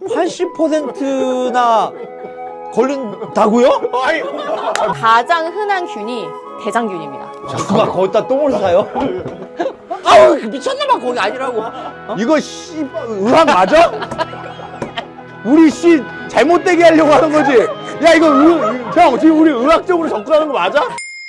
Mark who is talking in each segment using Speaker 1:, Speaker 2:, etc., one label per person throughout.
Speaker 1: 80%나 걸린다고요?
Speaker 2: 아이,
Speaker 3: 가장 흔한 균이 대장균입니다.
Speaker 1: 누가 거기다 똥을 싸요? 아우 미쳤나봐 거기 아니라고.
Speaker 2: 이거 씨 의학 맞아? 우리 씨 잘못되게 하려고 하는 거지? 야 이거 형 지금 우리 의학적으로 접근하는 거 맞아?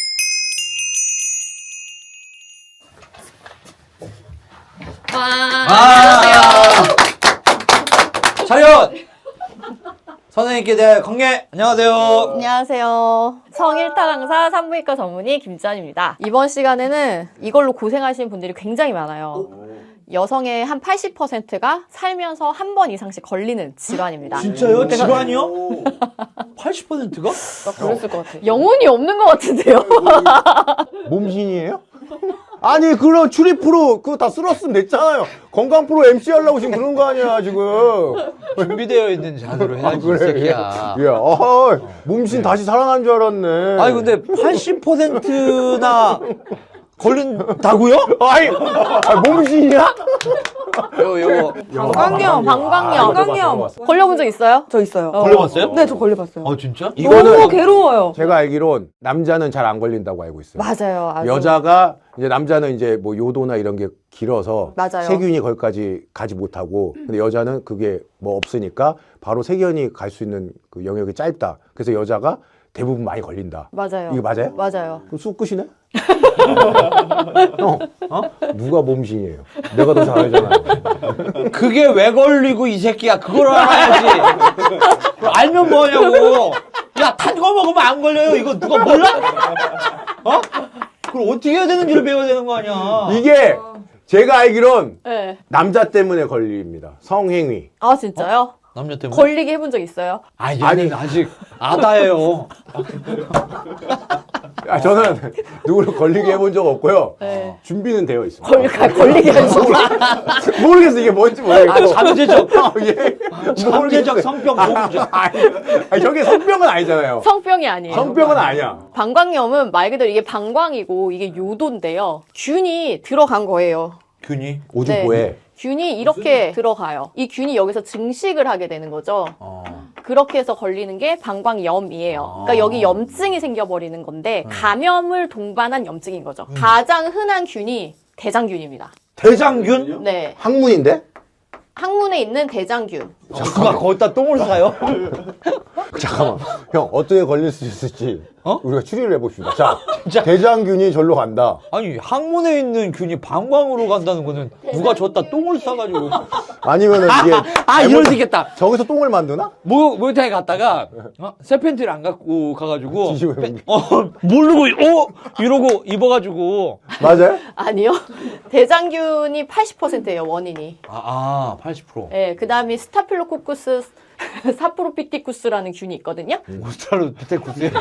Speaker 1: 차렷! 선생님께 대해 공개! 안녕하세요.
Speaker 3: 안녕하세요. 성일타 강사 산부인과 전문의 김지연입니다. 이번 시간에는 이걸로 고생하시는 분들이 굉장히 많아요. 여성의 한 80%가 살면서 한 번 이상씩 걸리는 질환입니다.
Speaker 1: 진짜요? 질환이요? 80%가?
Speaker 3: 그랬을 것 같아요. 영혼이 없는 것 같은데요?
Speaker 2: 몸신이에요? 아니 그런 추리 프로 그거 다 쓸었으면 됐잖아요. 건강 프로 MC 하려고 지금 그런 거 아니야 지금.
Speaker 1: 준비되어 있는 잔으로 해야지 이 새끼야.
Speaker 2: 야, 몸신 다시 살아난 줄 알았네.
Speaker 1: 아니 근데 80%나 걸린다고요?
Speaker 2: 아이, 몸신이야?
Speaker 1: 요거
Speaker 3: 방광염, 방광염. 걸려본 적 있어요?
Speaker 4: 저 있어요.
Speaker 1: 걸려봤어요?
Speaker 4: 네, 저 걸려봤어요.
Speaker 1: 진짜?
Speaker 4: 너무 괴로워요.
Speaker 2: 제가 알기론 남자는 잘 안 걸린다고 알고 있어요.
Speaker 3: 맞아요. 아주.
Speaker 2: 여자가 이제 남자는 이제 뭐 요도나 이런 게 길어서
Speaker 3: 맞아요.
Speaker 2: 세균이 거기까지 가지 못하고 근데 여자는 그게 뭐 없으니까 바로 세균이 갈 수 있는 그 영역이 짧다. 그래서 여자가 대부분 많이 걸린다.
Speaker 3: 맞아요.
Speaker 2: 이거 맞아요?
Speaker 3: 맞아요.
Speaker 2: 그럼 쑥 끝이네? 형, 누가 몸신이에요? 내가 더 잘 알잖아요.
Speaker 1: 그게 왜 걸리고 이 새끼야 그걸 알아야지. 그걸 알면 뭐하냐고. 야 탄 거 먹으면 안 걸려요 이거 누가 몰라? 그걸 어떻게 해야 되는지를 배워야 되는 거 아니야.
Speaker 2: 이게 제가 알기론
Speaker 3: 네.
Speaker 2: 남자 때문에 걸립니다. 성행위.
Speaker 3: 아, 진짜요?
Speaker 1: 남자 때문에?
Speaker 3: 걸리게 해본 적 있어요?
Speaker 1: 아니 아직 아다예요.
Speaker 2: 저는 누구를 걸리게 해본 적 없고요.
Speaker 3: 네.
Speaker 2: 준비는 되어 있습니다.
Speaker 3: 걸리게 해본
Speaker 2: 모르겠어 이게 뭔지 모르겠고.
Speaker 1: 잠재적
Speaker 2: 예.
Speaker 1: 잠재적 성병 보험자.
Speaker 2: 아니 저게 성병은 아니잖아요.
Speaker 3: 성병이 아니에요.
Speaker 2: 성병은 아니야.
Speaker 3: 방광염은 말 그대로 이게 방광이고 이게 요도인데요. 균이 들어간 거예요.
Speaker 1: 균이?
Speaker 2: 오죽보에.
Speaker 3: 균이 이렇게 들어가요. 이 균이 여기서 증식을 하게 되는 거죠. 그렇게 해서 걸리는 게 방광염이에요. 그러니까 여기 염증이 생겨버리는 건데 감염을 동반한 염증인 거죠. 가장 흔한 균이 대장균입니다.
Speaker 1: 대장균?
Speaker 3: 네,
Speaker 2: 학문인데?
Speaker 3: 항문에 있는 대장균.
Speaker 1: 누가 거기다 똥을 싸요?
Speaker 2: 잠깐만. 형 어떻게 걸릴 수 있을지 우리가 추리를 해봅시다. 자,
Speaker 1: 진짜?
Speaker 2: 대장균이 절로 간다.
Speaker 1: 아니 항문에 있는 균이 방광으로 간다는 거는 누가 줬다 똥을 싸가지고.
Speaker 2: 아니면은 이게
Speaker 1: 이럴 수 있겠다.
Speaker 2: 저기서 똥을 만드나?
Speaker 1: 목욕탕에 갔다가 새 팬티를 안 갖고 가가지고
Speaker 2: 뒤집어
Speaker 1: 모르고 이러고 입어가지고.
Speaker 2: 맞아요?
Speaker 3: 아니요. 대장균이 80%예요, 원인이.
Speaker 1: 80%.
Speaker 3: 네, 그 다음에 스타필로코쿠스 사프로피티쿠스라는 균이 있거든요.
Speaker 1: 오스트랄로 비테쿠스요?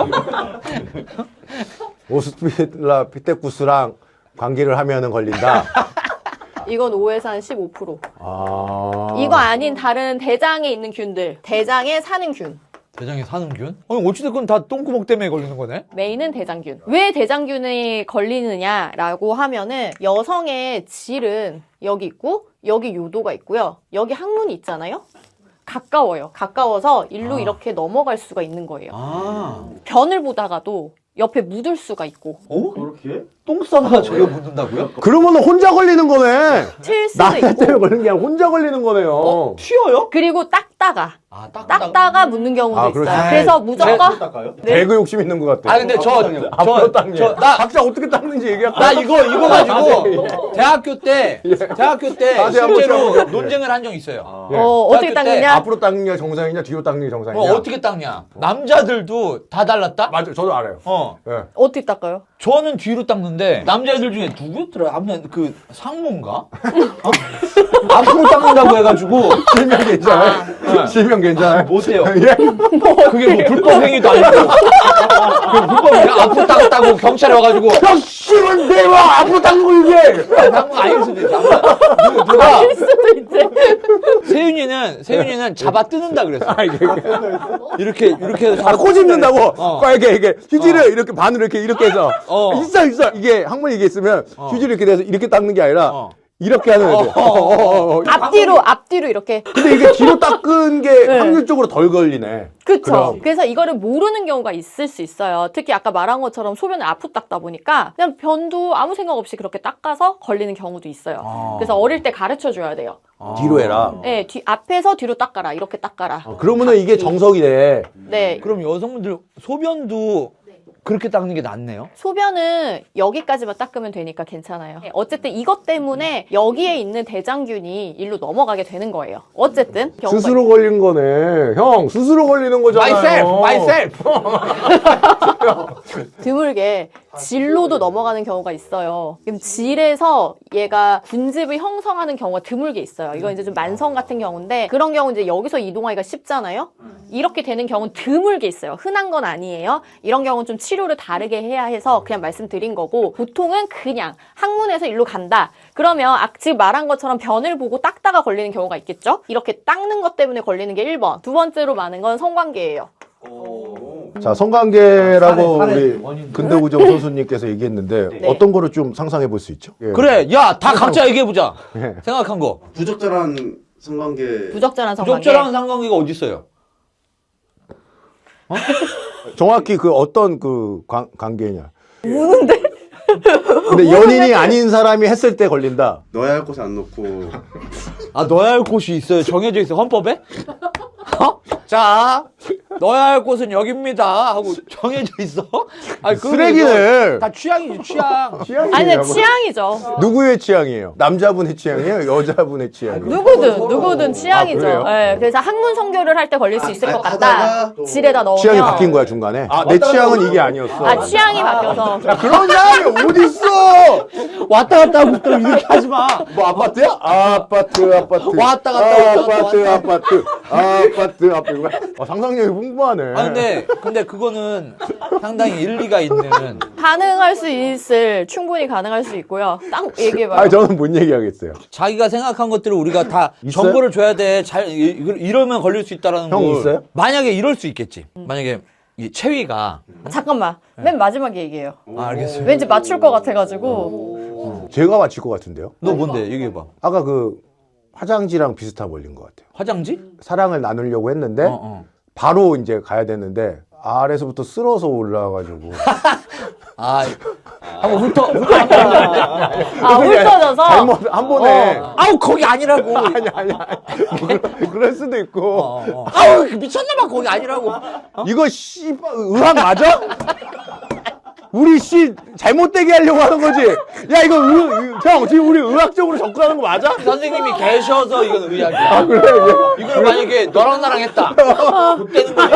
Speaker 2: 오스트라 피테쿠스랑 관계를 하면은 걸린다.
Speaker 3: 이건 5에서 한 15%.
Speaker 2: 아.
Speaker 3: 이거 아닌 다른 대장에 있는 균들. 대장에 사는 균.
Speaker 1: 대장에 사는 균? 아니 어찌됐건 다 똥구멍 때문에 걸리는 거네?
Speaker 3: 메인은 대장균. 왜 대장균이 걸리느냐라고 하면은 여성의 질은 여기 있고 여기 요도가 있고요. 여기 항문이 있잖아요. 가까워요. 가까워서 일로 이렇게 넘어갈 수가 있는 거예요. 변을 보다가도 옆에 묻을 수가 있고.
Speaker 2: 그렇게?
Speaker 1: 똥 싸다가 저기 묻는다고요?
Speaker 2: 그러면은 혼자 걸리는 거네.
Speaker 3: 튈 수도
Speaker 2: 남자
Speaker 3: 있고.
Speaker 2: 때문에 걸리는 게 아니라 혼자 걸리는 거네요.
Speaker 1: 튀어요?
Speaker 3: 그리고 닦다가
Speaker 1: 딱
Speaker 3: 묻는 경우도
Speaker 2: 아,
Speaker 3: 있어요.
Speaker 2: 그렇지.
Speaker 3: 그래서 무조건 네.
Speaker 2: 배그 욕심 있는 것 같아.
Speaker 1: 근데
Speaker 2: 앞으로 닦네. 각자 어떻게 닦는지 얘기할까?
Speaker 1: 나 이거 가지고 대학교 때
Speaker 2: 다시 한번
Speaker 1: 실제로
Speaker 2: 시작해볼게요.
Speaker 1: 논쟁을 한 적 있어요.
Speaker 3: 어떻게
Speaker 1: 대학교 때
Speaker 3: 닦느냐?
Speaker 2: 앞으로 닦는 게 정상이냐, 뒤로 닦는 게 정상이냐?
Speaker 1: 어떻게 닦냐? 남자들도 다 달랐다?
Speaker 2: 맞아, 저도 알아요. 예.
Speaker 3: 어떻게 닦아요?
Speaker 1: 저는 뒤로 닦는데 남자애들 중에 누구였더라? 하면 그 상무인가? 앞으로 닦는다고 해가지고
Speaker 2: 실명 괜찮아요? 실명 괜찮아요?
Speaker 1: 못해요.
Speaker 2: 예?
Speaker 1: 그게 뭐 불법 행위도 아니고 그 불법 행위 앞으로 닦았다고 경찰에 와가지고
Speaker 2: 야, 씨발, 내가 앞으로 닦는 거 이게!
Speaker 1: 상무가 아닐 수도 있어. 누가
Speaker 3: 할 수도 있지.
Speaker 1: 세윤이는 잡아 뜯는다 그랬어. 이렇게 해서 잡아
Speaker 2: 꼬집는다고? 이렇게 휴지를 이렇게 반으로 이렇게 해서.
Speaker 1: 어.
Speaker 2: 있어. 이게, 항문에 이게 있으면 휴지를 이렇게 돼서 이렇게 닦는 게 아니라 이렇게 하는 애들.
Speaker 3: 앞뒤로 이렇게.
Speaker 2: 근데 이게 뒤로 닦은 게
Speaker 3: 네.
Speaker 2: 확률적으로 덜 걸리네.
Speaker 3: 그쵸.
Speaker 2: 그럼.
Speaker 3: 그래서 이거를 모르는 경우가 있을 수 있어요. 특히 아까 말한 것처럼 소변을 앞으로 닦다 보니까 그냥 변도 아무 생각 없이 그렇게 닦아서 걸리는 경우도 있어요. 그래서 어릴 때 가르쳐 줘야 돼요.
Speaker 2: 뒤로 해라.
Speaker 3: 네, 앞에서 뒤로 닦아라. 이렇게 닦아라.
Speaker 2: 그러면은 이게 정석이네.
Speaker 3: 네.
Speaker 1: 그럼 여성분들 소변도 그렇게 닦는 게 낫네요?
Speaker 3: 소변은 여기까지만 닦으면 되니까 괜찮아요. 어쨌든 이것 때문에 여기에 있는 대장균이 일로 넘어가게 되는 거예요. 어쨌든 경우가
Speaker 2: 스스로 걸린 거네. 형, 스스로 걸리는 거잖아요.
Speaker 1: myself.
Speaker 3: 드물게 질로도 넘어가는 경우가 있어요. 그럼 질에서 얘가 군집을 형성하는 경우가 드물게 있어요. 이건 이제 좀 만성 같은 경우인데 그런 경우 이제 여기서 이동하기가 쉽잖아요. 이렇게 되는 경우는 드물게 있어요. 흔한 건 아니에요. 이런 경우는 좀 치료를 다르게 해야 해서 그냥 말씀드린 거고 보통은 그냥 항문에서 일로 간다. 그러면 지금 말한 것처럼 변을 보고 닦다가 걸리는 경우가 있겠죠? 이렇게 닦는 것 때문에 걸리는 게 1번. 두 번째로 많은 건 성관계예요.
Speaker 2: 자, 성관계라고
Speaker 1: 사례,
Speaker 2: 우리
Speaker 1: 원인들.
Speaker 2: 근대구정 선수님께서 얘기했는데
Speaker 3: 네.
Speaker 2: 어떤 거를 좀 상상해 볼 수 있죠? 예.
Speaker 1: 그래, 야, 다 각자 얘기해보자.
Speaker 2: 예.
Speaker 1: 생각한 거.
Speaker 4: 부적절한 성관계.
Speaker 3: 부적절한 성관계.
Speaker 1: 부적절한 상관계가 어디 있어요?
Speaker 2: 정확히 그 어떤 그 관계냐? 우는데? 근데 연인이 아닌 사람이 했을 때 걸린다.
Speaker 4: 넣어야 할 곳에 안 넣고.
Speaker 1: 아, 넣어야 할 곳이 있어요. 정해져 있어요. 헌법에? 어? 자, 넣어야 할 곳은 여기입니다. 하고 정해져 있어? 아니, 그거
Speaker 2: 쓰레기네.
Speaker 1: 이거 다 취향이지, 취향.
Speaker 2: 취향이에요.
Speaker 3: 아니, 근데 취향이죠.
Speaker 2: 누구의 취향이에요? 남자분의 취향이에요? 여자분의 취향이에요?
Speaker 3: 누구든 취향이죠.
Speaker 2: 그래요?
Speaker 3: 네, 그래서 항문 성교를 할 때 걸릴 수 있을 것 같다.
Speaker 4: 하다가 또
Speaker 3: 질에다 넣으면.
Speaker 2: 취향이 바뀐 거야 중간에? 아, 내 취향은 이게 아니었어.
Speaker 3: 아, 취향이 바뀌어서.
Speaker 2: 그런 사람이 어딨어?
Speaker 1: 왔다 갔다 하고 또 이렇게 하지 마.
Speaker 2: 뭐 아파트야? 아파트.
Speaker 1: 왔다 갔다
Speaker 2: 아파트. 상상력이 풍부하네.
Speaker 1: 아, 근데 그거는 상당히 일리가 있는.
Speaker 3: 가능할 수 있을, 충분히 가능할 수 있고요. 딱 얘기해봐요.
Speaker 2: 아, 저는 뭔 얘기하겠어요.
Speaker 1: 자기가 생각한 것들을 우리가 다
Speaker 2: 있어요?
Speaker 1: 정보를 줘야 돼. 이러면 걸릴 수 있다라는
Speaker 2: 형
Speaker 1: 걸.
Speaker 2: 있어요?
Speaker 1: 만약에 이럴 수 있겠지. 만약에 이 체위가.
Speaker 3: 잠깐만. 맨 마지막에 얘기해요.
Speaker 1: 아, 알겠어요.
Speaker 3: 왠지 맞출 것 같아가지고.
Speaker 2: 제가 맞힐 것 같은데요?
Speaker 1: 너 뭔데? 얘기해봐.
Speaker 2: 아까 그 화장지랑 비슷한 원리인 것 같아요.
Speaker 1: 화장지?
Speaker 2: 사랑을 나누려고 했는데
Speaker 1: 어.
Speaker 2: 바로 이제 가야 되는데 아래서부터 쓸어서 올라와가지고
Speaker 1: 아, 한번 훑어.
Speaker 3: 아, 훑어져서.
Speaker 2: 잘못 한 번에
Speaker 1: 아우, 거기 아니라고.
Speaker 2: 아니야 뭐 그럴 수도 있고
Speaker 1: 아우, 미쳤나봐. 거기 아니라고.
Speaker 2: 이거 씨발 의학 맞아? 우리 씨 잘못되게 하려고 하는 거지. 야 이거 형 지금 우리 의학적으로 접근하는 거 맞아?
Speaker 1: 선생님이 계셔서 이건 의학이야.
Speaker 2: 아 그래?
Speaker 1: 이걸 만약에 너랑 나랑 했다. 그때는 거지.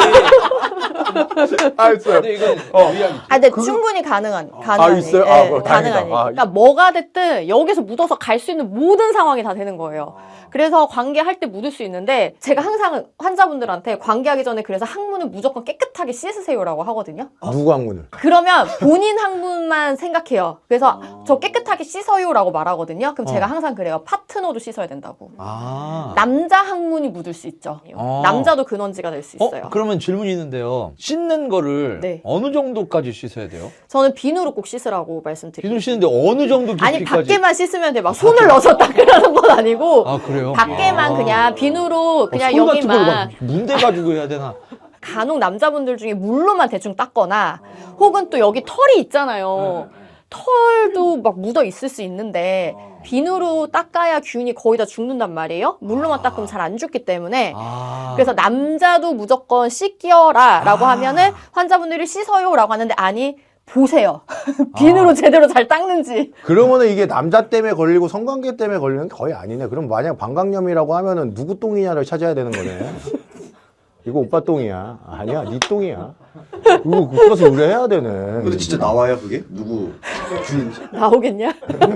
Speaker 2: 알았어요.
Speaker 1: 근데 이건 의학이지.
Speaker 3: 아, 근데 충분히 가능한
Speaker 2: 있어요?
Speaker 3: 얘기.
Speaker 2: 아,
Speaker 3: 예,
Speaker 2: 그거
Speaker 3: 가능한
Speaker 2: 다행이다.
Speaker 3: 얘기.
Speaker 2: 아,
Speaker 3: 그러니까 뭐가 됐든 여기서 묻어서 갈 수 있는 모든 상황이 다 되는 거예요. 그래서 관계할 때 묻을 수 있는데 제가 항상 환자분들한테 관계하기 전에 그래서 항문을 무조건 깨끗하게 씻으세요라고 하거든요.
Speaker 2: 누구 학문을?
Speaker 3: 그러면 본인 항문만 생각해요. 그래서 저 깨끗하게 씻어요라고 말하거든요. 그럼 제가 항상 그래요. 파트너도 씻어야 된다고.
Speaker 1: 아.
Speaker 3: 남자 항문이 묻을 수 있죠. 남자도 근원지가 될 수 있어요.
Speaker 1: 그러면 질문이 있는데요. 씻는 거를
Speaker 3: 네.
Speaker 1: 어느 정도까지 씻어야 돼요?
Speaker 3: 저는 비누로 꼭 씻으라고 말씀드려요.
Speaker 1: 비누 씻는데 어느 정도 깊이까지?
Speaker 3: 아니 밖에만 씻으면 돼. 막 손을 넣어서 닦으라는 건 아니고
Speaker 1: 아, 그래요?
Speaker 3: 밖에만 그냥 비누로 그냥
Speaker 1: 손 같은 걸로
Speaker 3: 여기만
Speaker 1: 막 문대 가지고 해야 되나?
Speaker 3: 간혹 남자분들 중에 물로만 대충 닦거나 혹은 또 여기 털이 있잖아요. 털도 막 묻어 있을 수 있는데 비누로 닦아야 균이 거의 다 죽는단 말이에요. 물로만 닦으면 잘 안 죽기 때문에
Speaker 1: 아.
Speaker 3: 그래서 남자도 무조건 씻겨라 라고 하면은 환자분들이 씻어요 라고 하는데 아니 보세요. 비누로 제대로 잘 닦는지.
Speaker 2: 그러면은 이게 남자 때문에 걸리고 성관계 때문에 걸리는 게 거의 아니네. 그럼 만약 방광염이라고 하면은 누구 똥이냐를 찾아야 되는 거네. 이거 오빠 똥이야. 아니야, 네 똥이야. 이거 그것을 의뢰해야 되네.
Speaker 4: 근데 진짜 나와요 그게? 누구 균인지?
Speaker 3: 나오겠냐?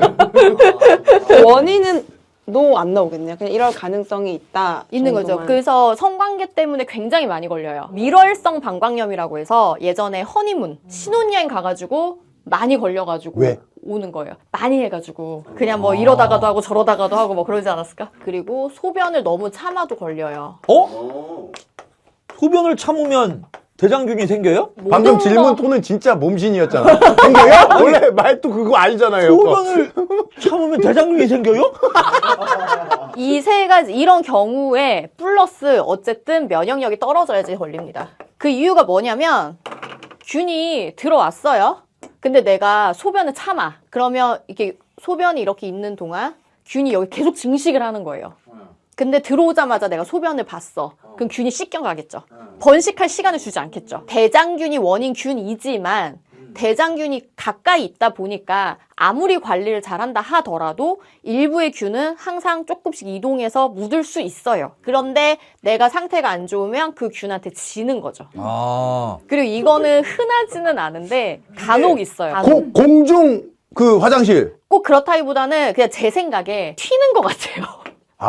Speaker 5: 원인은 노 안 나오겠네요. 그냥 이럴 가능성이 있다.
Speaker 3: 있는 거죠.
Speaker 5: 정도만.
Speaker 3: 그래서 성관계 때문에 굉장히 많이 걸려요. 밀월성 방광염이라고 해서 예전에 허니문, 신혼여행 가가지고 많이 걸려가지고
Speaker 2: 왜?
Speaker 3: 오는 거예요. 많이 해가지고 그냥 뭐 이러다가도 하고 저러다가도 하고 뭐 그러지 않았을까? 그리고 소변을 너무 참아도 걸려요.
Speaker 1: 어? 소변을 참으면 대장균이 생겨요?
Speaker 2: 방금
Speaker 3: 모든
Speaker 2: 질문
Speaker 3: 거-
Speaker 2: 톤은 진짜 몸신이었잖아. 생겨요? 원래 말도 그거 아니잖아요.
Speaker 1: 소변을 참으면 대장균이 생겨요?
Speaker 3: 이 세 가지 이런 경우에 플러스 어쨌든 면역력이 떨어져야지 걸립니다. 그 이유가 뭐냐면 균이 들어왔어요. 근데 내가 소변을 참아. 그러면 이렇게 소변이 이렇게 있는 동안 균이 여기 계속 증식을 하는 거예요. 근데 들어오자마자 내가 소변을 봤어. 그럼 균이 씻겨가겠죠. 번식할 시간을 주지 않겠죠. 대장균이 원인 균이지만 대장균이 가까이 있다 보니까 아무리 관리를 잘한다 하더라도 일부의 균은 항상 조금씩 이동해서 묻을 수 있어요. 그런데 내가 상태가 안 좋으면 그 균한테 지는 거죠.
Speaker 1: 아.
Speaker 3: 그리고 이거는 흔하지는 않은데 간혹 있어요. 간혹.
Speaker 2: 공중 그 화장실.
Speaker 3: 꼭 그렇다기보다는 그냥 제 생각에 튀는 것 같아요.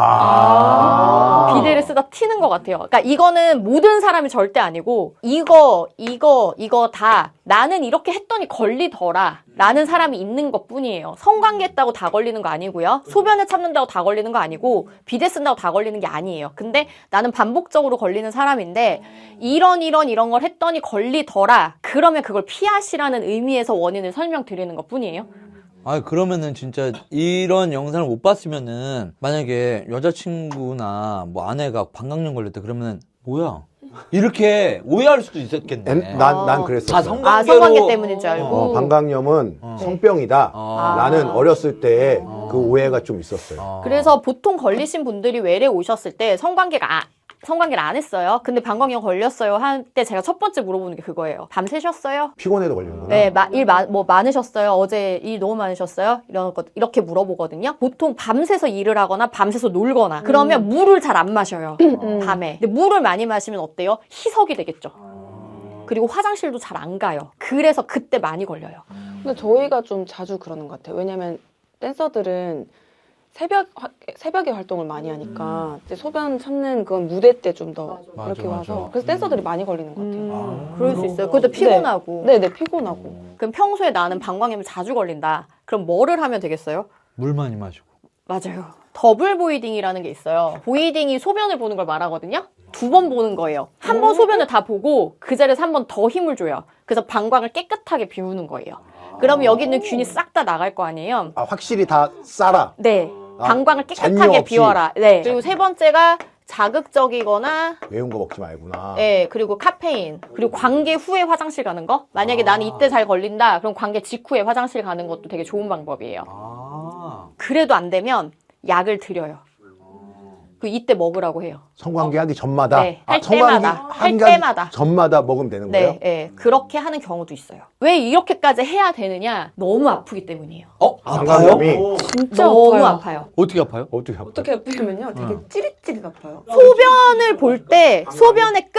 Speaker 3: 비데를 쓰다 튀는 것 같아요. 그러니까 이거는 모든 사람이 절대 아니고 이거 다 나는 이렇게 했더니 걸리더라 라는 사람이 있는 것 뿐이에요. 성관계 했다고 다 걸리는 거 아니고요. 소변을 참는다고 다 걸리는 거 아니고 비데 쓴다고 다 걸리는 게 아니에요. 근데 나는 반복적으로 걸리는 사람인데 이런 걸 했더니 걸리더라. 그러면 그걸 피하시라는 의미에서 원인을 설명드리는 것 뿐이에요.
Speaker 1: 아, 그러면은 진짜 이런 영상을 못 봤으면은 만약에 여자친구나 뭐 아내가 방광염 걸렸다 그러면은 뭐야? 이렇게 오해할 수도 있었겠네.
Speaker 2: 난 그랬어.
Speaker 1: 다
Speaker 3: 성관계 때문인 줄 알고.
Speaker 2: 방광염은 성병이다. 나는 어렸을 때 그 오해가 좀 있었어요.
Speaker 3: 그래서 보통 걸리신 분들이 외래 오셨을 때 성관계를 안 했어요. 근데 방광염 걸렸어요 할 때 제가 첫 번째 물어보는 게 그거예요. 밤 새셨어요?
Speaker 2: 피곤해도 걸리는구나.
Speaker 3: 네, 뭐 많으셨어요? 어제 일 너무 많으셨어요? 이렇게 물어보거든요. 보통 밤새서 일을 하거나 밤새서 놀거나 그러면 물을 잘 안 마셔요. 밤에. 근데 물을 많이 마시면 어때요? 희석이 되겠죠. 그리고 화장실도 잘 안 가요. 그래서 그때 많이 걸려요.
Speaker 5: 근데 저희가 좀 자주 그러는 것 같아요. 왜냐면 댄서들은 새벽에 활동을 많이 하니까 이제 소변 참는 그건 무대 때 좀 더
Speaker 1: 맞아,
Speaker 5: 이렇게
Speaker 1: 맞아.
Speaker 5: 와서 그래서 댄서들이 많이 걸리는 것 같아요.
Speaker 3: 그럴 수 있어요. 그것도 피곤하고.
Speaker 5: 네네 피곤하고.
Speaker 3: 그럼 평소에 나는 방광염이 자주 걸린다. 그럼 뭐를 하면 되겠어요?
Speaker 1: 물 많이 마시고.
Speaker 3: 맞아요. 더블 보이딩이라는 게 있어요. 보이딩이 소변을 보는 걸 말하거든요. 2번 보는 거예요. 한 번 소변을 다 보고 그 자리에서 한 번 더 힘을 줘요. 그래서 방광을 깨끗하게 비우는 거예요. 그러면 여기 있는 균이 싹 다 나갈 거 아니에요.
Speaker 2: 확실히 다 싸라.
Speaker 3: 네. 방광을
Speaker 2: 잔여
Speaker 3: 깨끗하게
Speaker 2: 없이.
Speaker 3: 비워라. 네. 그리고 세 번째가 자극적이거나
Speaker 2: 매운 거 먹지 말구나.
Speaker 3: 네, 그리고 카페인, 그리고 관계 후에 화장실 가는 거. 만약에 나는 이때 잘 걸린다, 그럼 관계 직후에 화장실 가는 것도 되게 좋은 방법이에요. 그래도 안 되면 약을 드려요. 그 이때 먹으라고 해요.
Speaker 2: 성관계 하기 전마다.
Speaker 3: 네, 할
Speaker 2: 성관계
Speaker 3: 때마다.
Speaker 2: 하기
Speaker 3: 할 때마다.
Speaker 2: 전마다 먹으면 되는 거예요?
Speaker 3: 네, 네, 그렇게 하는 경우도 있어요. 왜 이렇게까지 해야 되느냐? 너무 아프기 때문이에요.
Speaker 1: 아파요?
Speaker 2: 방광염이
Speaker 5: 진짜
Speaker 3: 너무 아파요.
Speaker 1: 어떻게 아파요?
Speaker 2: 어떻게 할까요?
Speaker 5: 어떻게 아프냐면요. 되게 찌릿찌릿 아파요.
Speaker 3: 소변을 볼 때 소변의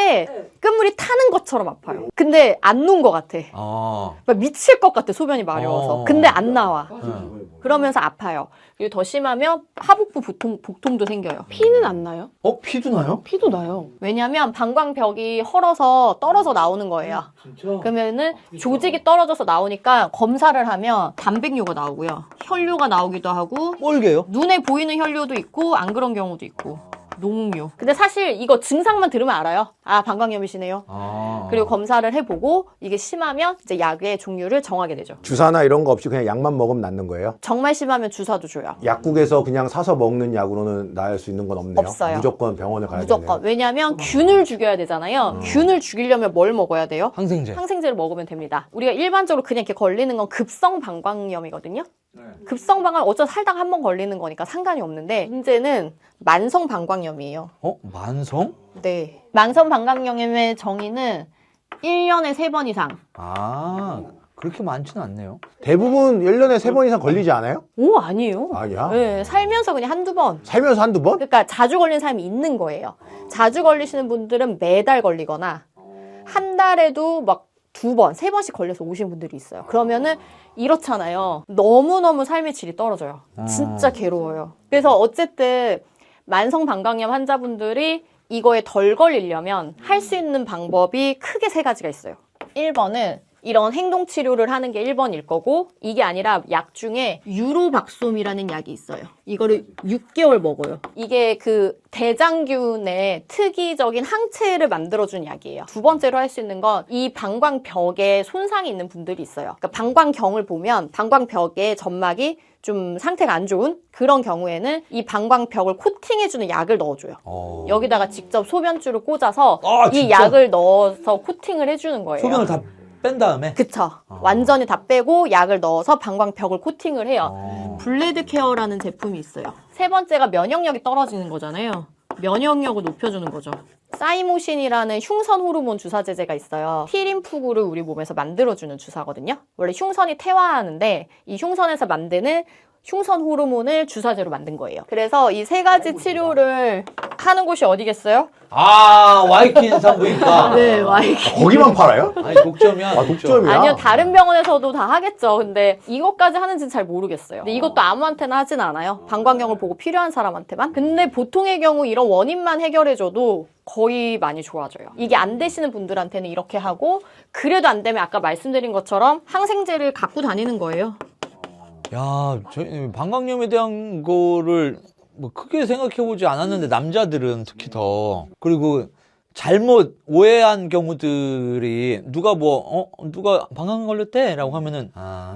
Speaker 3: 끝물이 타는 것처럼 아파요. 근데 안 누운 것 같아. 막 미칠 것 같아, 소변이 마려워서. 근데 안 나와. 그러면서 아파요. 그리고 더 심하면 하복부 복통도 생겨요.
Speaker 5: 피는 안 나요?
Speaker 1: 피도 나요?
Speaker 5: 피도 나요.
Speaker 3: 왜냐면 방광벽이 헐어서 떨어져 나오는 거예요. 그러면은 조직이 떨어져서 나오니까 검사를 하면 단백뇨가 나오고요. 혈뇨가 나오기도 하고
Speaker 1: 뻘개요?
Speaker 3: 눈에 보이는 혈뇨도 있고 안 그런 경우도 있고 농뇨. 근데 사실 이거 증상만 들으면 알아요. 아, 방광염이시네요. 그리고 검사를 해보고 이게 심하면 이제 약의 종류를 정하게 되죠.
Speaker 2: 주사나 이런 거 없이 그냥 약만 먹으면 낫는 거예요?
Speaker 3: 정말 심하면 주사도 줘요.
Speaker 2: 약국에서 그냥 사서 먹는 약으로는 나을 수 있는 건 없네요.
Speaker 3: 없어요.
Speaker 2: 무조건 병원을 가야
Speaker 3: 무조건.
Speaker 2: 되네요.
Speaker 3: 왜냐면 균을 죽여야 되잖아요. 균을 죽이려면 뭘 먹어야 돼요?
Speaker 1: 항생제.
Speaker 3: 항생제를 먹으면 됩니다. 우리가 일반적으로 그냥 이렇게 걸리는 건 급성 방광염이거든요. 급성 방광 어쩌다 살다가 한 번 걸리는 거니까 상관이 없는데 문제는 만성 방광염이에요.
Speaker 1: 만성?
Speaker 3: 네. 만성 방광염의 정의는 1년에 3번 이상.
Speaker 1: 그렇게 많지는 않네요.
Speaker 2: 대부분 1년에 3번 이상 걸리지 않아요?
Speaker 3: 오, 아니에요.
Speaker 2: 아니야?
Speaker 3: 네, 살면서 그냥 한두 번.
Speaker 2: 살면서 한두 번?
Speaker 3: 그러니까 자주 걸리는 사람이 있는 거예요. 자주 걸리시는 분들은 매달 걸리거나 한 달에도 막 2번, 3번씩 걸려서 오신 분들이 있어요. 그러면은 이렇잖아요. 너무너무 삶의 질이 떨어져요. 진짜 괴로워요. 그래서 어쨌든 만성 방광염 환자분들이 이거에 덜 걸리려면 할 수 있는 방법이 크게 3가지가 있어요. 1번은 이런 행동 치료를 하는 게 1번일 거고 이게 아니라 약 중에 유로박솜이라는 약이 있어요. 이거를 6개월 먹어요. 이게 그 대장균의 특이적인 항체를 만들어준 약이에요. 두 번째로 할 수 있는 건 이 방광벽에 손상이 있는 분들이 있어요. 그러니까 방광경을 보면 방광벽에 점막이 좀 상태가 안 좋은 그런 경우에는 이 방광벽을 코팅해주는 약을 넣어줘요. 여기다가 직접 소변줄을 꽂아서
Speaker 1: 아,
Speaker 3: 이
Speaker 1: 진짜?
Speaker 3: 약을 넣어서 코팅을 해주는 거예요.
Speaker 1: 소변을 다 뺀 다음에
Speaker 3: 그쵸. 완전히 다 빼고 약을 넣어서 방광벽을 코팅을 해요. 블레드 케어라는 제품이 있어요. 세 번째가 면역력이 떨어지는 거잖아요. 면역력을 높여주는 거죠. 사이모신이라는 흉선 호르몬 주사제제가 있어요. T림프구를 우리 몸에서 만들어주는 주사거든요. 원래 흉선이 퇴화하는데 이 흉선에서 만드는 흉선 호르몬을 주사제로 만든 거예요. 그래서 이 세 가지 치료를 하는 곳이 어디겠어요?
Speaker 1: 아 와이킨 산부인과.
Speaker 3: 네, 와이키.
Speaker 2: 거기만 팔아요?
Speaker 1: 아니 독점이야.
Speaker 2: 아, 독점이야?
Speaker 3: 아니요, 다른 병원에서도 다 하겠죠. 근데 이것까지 하는지는 잘 모르겠어요. 근데 이것도 아무한테나 하진 않아요. 방광경을 보고 필요한 사람한테만. 근데 보통의 경우 이런 원인만 해결해줘도 거의 많이 좋아져요. 이게 안 되시는 분들한테는 이렇게 하고 그래도 안 되면 아까 말씀드린 것처럼 항생제를 갖고 다니는 거예요.
Speaker 1: 야, 저희 방광염에 대한 거를 뭐 크게 생각해보지 않았는데 남자들은 특히 더 그리고 잘못 오해한 경우들이 누가 누가 방광 걸렸대라고 하면은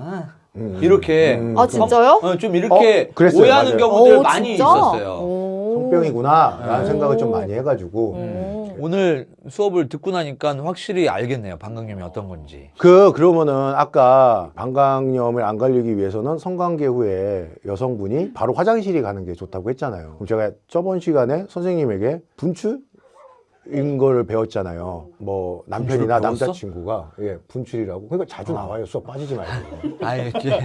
Speaker 1: 이렇게
Speaker 3: 아, 진짜요?
Speaker 1: 좀 이렇게
Speaker 2: 그랬어요.
Speaker 1: 오해하는
Speaker 2: 맞아요.
Speaker 1: 경우들
Speaker 3: 오,
Speaker 1: 많이
Speaker 3: 진짜?
Speaker 1: 있었어요.
Speaker 3: 오.
Speaker 2: 성병이구나라는 생각을 좀 많이 해가지고
Speaker 1: 오늘 수업을 듣고 나니까 확실히 알겠네요. 방광염이 어떤 건지.
Speaker 2: 그러면은 아까 방광염을 안 걸리기 위해서는 성관계 후에 여성분이 바로 화장실에 가는 게 좋다고 했잖아요. 그럼 제가 저번 시간에 선생님에게 분출인 거를 배웠잖아요. 뭐 남편이나
Speaker 1: 분출을 배웠어?
Speaker 2: 남자친구가 분출이라고. 그러니까 자주 나와요. 수업 빠지지 말고.
Speaker 1: 아니, 이제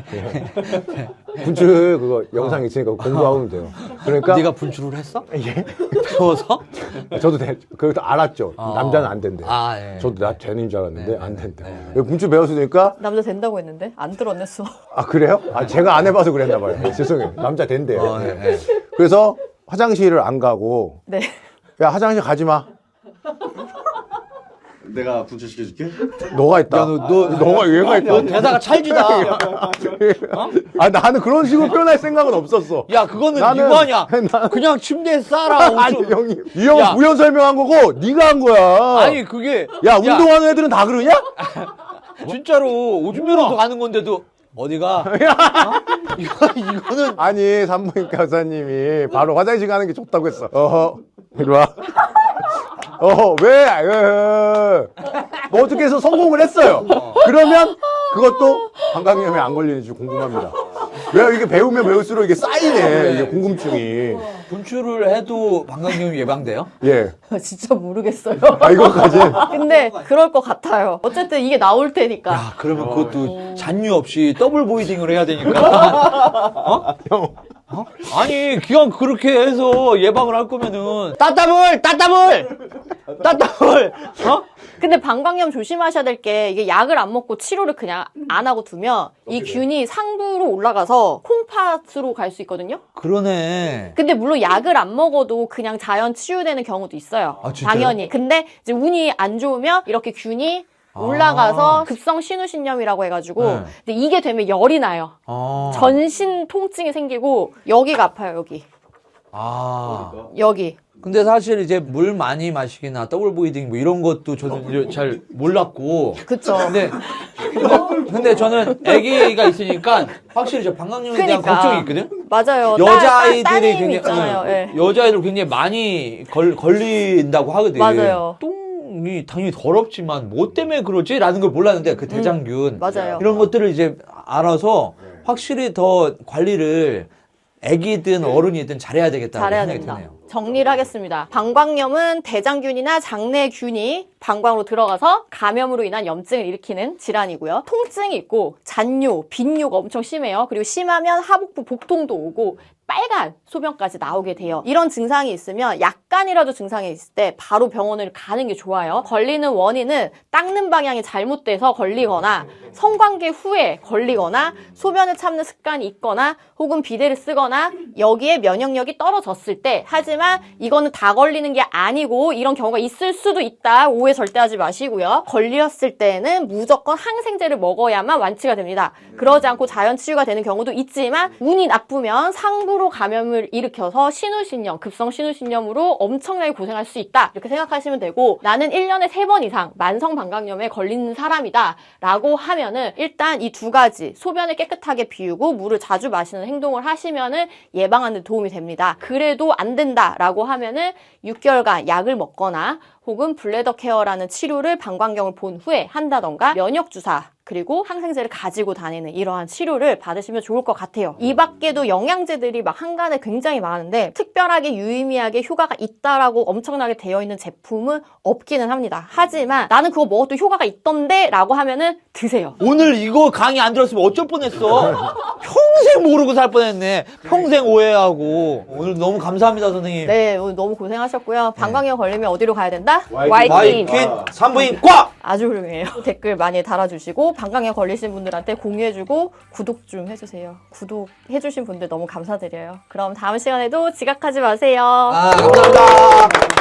Speaker 2: 분출 그거 영상 있으니까 공부하면 돼요. 그러니까
Speaker 1: 네가 분출을 했어?
Speaker 2: 예?
Speaker 1: 배워서?
Speaker 2: 저도 그것도 알았죠. 남자는 안 된대.
Speaker 1: 아, 예.
Speaker 2: 저도 나 되는 줄 알았는데
Speaker 1: 네,
Speaker 2: 안
Speaker 1: 네,
Speaker 2: 된대.
Speaker 1: 네,
Speaker 2: 분출 배웠으니까
Speaker 3: 남자 된다고 했는데 안 들었네 수업.
Speaker 2: 아 그래요? 아 제가 안 해봐서 그랬나 봐요. 죄송해요. 남자 된대요.
Speaker 1: 네, 네.
Speaker 2: 그래서 화장실을 안 가고
Speaker 3: 네.
Speaker 2: 야 화장실 가지 마.
Speaker 4: 내가 분출시켜줄게.
Speaker 2: 너가 있다.
Speaker 1: 야,
Speaker 2: 너가 얘가 있다.
Speaker 1: 너 대사가 찰지다.
Speaker 2: 아 나는 그런 식으로 표현할 생각은 없었어.
Speaker 1: 야, 그거는
Speaker 2: 나는-
Speaker 1: 이거 아니야. 그냥 침대에 싸라.
Speaker 2: 아니
Speaker 1: 옷 좀.
Speaker 2: 형님 이 형은
Speaker 1: 야.
Speaker 2: 부연 설명한 거고 네가 한 거야.
Speaker 1: 아니, 그게.
Speaker 2: 야 운동하는 애들은 다 그러냐?
Speaker 1: 진짜로 오줌 누러 가는 건데도 어디가? 이거는.
Speaker 2: 아니 산부인과 의사님이 바로 화장실 가는 게 좋다고 했어. 어허 이리 와. 어허 왜? 뭐 어떻게 해서 성공을 했어요. 그러면 그것도 방광염에 안 걸리는지 궁금합니다. 왜 이게 배우면 배울수록 이게 쌓이네. 이게 궁금증이.
Speaker 1: 분출을 해도 방광염이 예방돼요?
Speaker 2: 예.
Speaker 3: 진짜 모르겠어요.
Speaker 2: 아 이거까지.
Speaker 3: 근데 그럴 것 같아요. 어쨌든 이게 나올 테니까.
Speaker 1: 야, 그러면 그것도 잔류 없이 더블 보이딩을 해야 되니까.
Speaker 2: 형.
Speaker 1: 아니, 그냥 그렇게 해서 예방을 할 거면은. 따따블!
Speaker 3: 근데 방광염 조심하셔야 될 게 이게 약을 안 먹고 치료를 그냥 안 하고 두면 이 균이 상부로 올라가서 콩팥으로 갈 수 있거든요.
Speaker 1: 그러네.
Speaker 3: 근데 물론 약을 안 먹어도 그냥 자연 치유되는 경우도 있어요.
Speaker 1: 아, 진짜요?
Speaker 3: 당연히. 근데 이제 운이 안 좋으면 이렇게 균이 올라가서 급성 신우신염이라고 해가지고
Speaker 1: 네.
Speaker 3: 근데 이게 되면 열이 나요. 전신 통증이 생기고 여기가 아파요. 여기.
Speaker 1: 근데 사실 이제 물 많이 마시기나 더블 보이딩 뭐 이런 것도 저는 이제 잘 몰랐고.
Speaker 3: 그쵸.
Speaker 1: 근데 저는 아기가 있으니까 확실히 저 방광염에 대한
Speaker 3: 그러니까.
Speaker 1: 걱정이 있거든.
Speaker 3: 맞아요.
Speaker 1: 여자아이들이
Speaker 3: 따님
Speaker 1: 굉장히
Speaker 3: 있잖아요. 예.
Speaker 1: 여자아이들 굉장히 많이 걸린다고 하거든.
Speaker 3: 맞아요.
Speaker 1: 똥이 당연히 더럽지만 뭐 때문에 그러지라는 걸 몰랐는데 그 대장균
Speaker 3: 맞아요.
Speaker 1: 이런 것들을 이제 알아서 확실히 더 관리를 아기든 어른이든 잘해야 되겠다는
Speaker 3: 잘해야
Speaker 1: 생각이
Speaker 3: 된다.
Speaker 1: 드네요.
Speaker 3: 정리를 하겠습니다. 방광염은 대장균이나 장내균이 방광으로 들어가서 감염으로 인한 염증을 일으키는 질환이고요. 통증이 있고 잔뇨, 빈뇨가 엄청 심해요. 그리고 심하면 하복부 복통도 오고 빨간 소변까지 나오게 돼요. 이런 증상이 있으면 약간이라도 증상이 있을 때 바로 병원을 가는 게 좋아요. 걸리는 원인은 닦는 방향이 잘못돼서 걸리거나 성관계 후에 걸리거나 소변을 참는 습관이 있거나 혹은 비데를 쓰거나 여기에 면역력이 떨어졌을 때, 하지만 이거는 다 걸리는 게 아니고 이런 경우가 있을 수도 있다. 오해 절대 하지 마시고요. 걸렸을 때는 무조건 항생제를 먹어야만 완치가 됩니다. 그러지 않고 자연 치유가 되는 경우도 있지만 운이 나쁘면 상부로 감염을 일으켜서 신우신염, 급성 신우신염으로 엄청나게 고생할 수 있다. 이렇게 생각하시면 되고, 나는 1년에 3번 이상 만성 방광염에 걸리는 사람이다 라고 하면은 일단 이 두 가지, 소변을 깨끗하게 비우고 물을 자주 마시는 행동을 하시면은 예방하는 데 도움이 됩니다. 그래도 안 된다라고 하면은 6개월간 약을 먹거나 혹은 블래더 케어라는 치료를 방광경을 본 후에 한다던가 면역 주사 그리고 항생제를 가지고 다니는 이러한 치료를 받으시면 좋을 것 같아요. 이 밖에도 영양제들이 막 한간에 굉장히 많은데 특별하게 유의미하게 효과가 있다라고 엄청나게 되어 있는 제품은 없기는 합니다. 하지만 나는 그거 먹어도 효과가 있던데 라고 하면은 드세요.
Speaker 1: 오늘 이거 강의 안 들었으면 어쩔 뻔했어. 평생 모르고 살 뻔했네. 평생 오해하고. 오늘 너무 감사합니다, 선생님.
Speaker 3: 네, 오늘 너무 고생하셨고요. 방광염 걸리면 어디로 가야 된다?
Speaker 1: 와이킨 산부인 과!
Speaker 3: 아주 훌륭해요. 댓글 많이 달아주시고 방광염 걸리신 분들한테 공유해주고 구독 좀 해주세요. 구독해주신 분들 너무 감사드려요. 그럼 다음 시간에도 지각하지 마세요.
Speaker 1: 감사합니다.